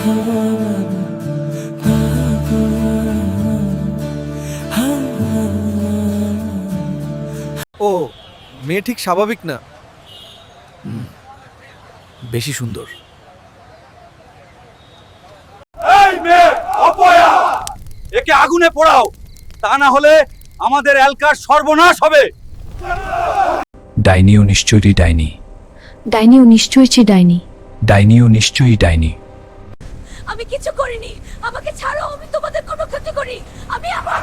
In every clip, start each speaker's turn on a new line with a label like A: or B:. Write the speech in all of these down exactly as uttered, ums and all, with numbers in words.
A: ও মেয়ে ঠিক স্বাভাবিক না, বেশি সুন্দর।
B: এই মেয়ে অপয়া, একে আগুনে পোড়াও, তা না হলে আমাদের এলাকার সর্বনাশ হবে।
C: ডাইনিও নিশ্চয়ই ডাইনি,
D: ডাইনিও নিশ্চয়ই ডাইনি।
C: ডাইনিও নিশ্চয়ই ডাইনি।
D: আমি কিছু করিনি, আমাকে ছাড়ো, আমি তোমাদের কোনো ক্ষতি করি আমি আমার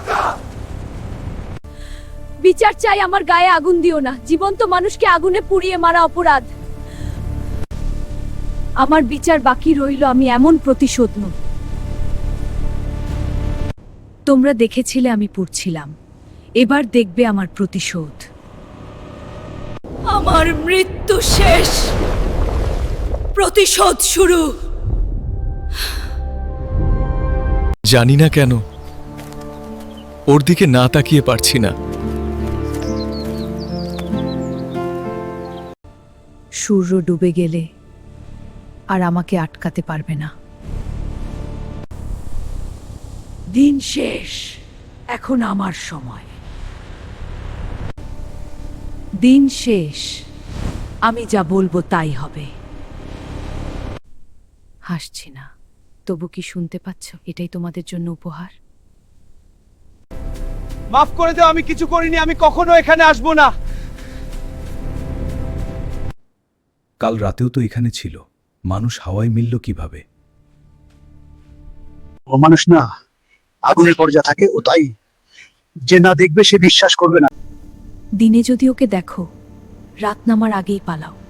D: বিচার চাই। আমার গায়ে আগুন দিও না, জীবন্ত মানুষকে আগুনে পুড়িয়ে মারা অপরাধ। আমার বিচার বাকি রইল, আমি এমন প্রতিশোধ নেব। তোমরা দেখেছিলে আমি পুড়ছিলাম, এবার দেখবে আমার প্রতিশোধ। আমার মৃত্যু শেষ, প্রতিশোধ শুরু।
A: জানি না কেন ওর দিকে না তাকিয়ে পারছি না।
D: সূর্য ডুবে গেলে আর আমাকে আটকাতে পারবে না। দিন শেষ, এখন আমার সময়। দিন শেষ, আমি যা বলবো তাই হবে। হাসছি না, তবু কি শুনতে পাচ্ছ? এটাই তোমাদের জন্য উপহার।
B: মাফ করে দাও, আমি কিছু করিনি, আমি কখনো এখানে আসবো না।
C: কাল রাতেও তো এখানে ছিল, মানুষ হাওয়ায় মিলল কিভাবে?
E: ও মানুষ না, আগুনের পর যা থাকে ও তাই। যে না দেখবে সে বিশ্বাস করবে না।
D: দিনে যদি ওকে দেখো, রাত নামার আগেই পালাও।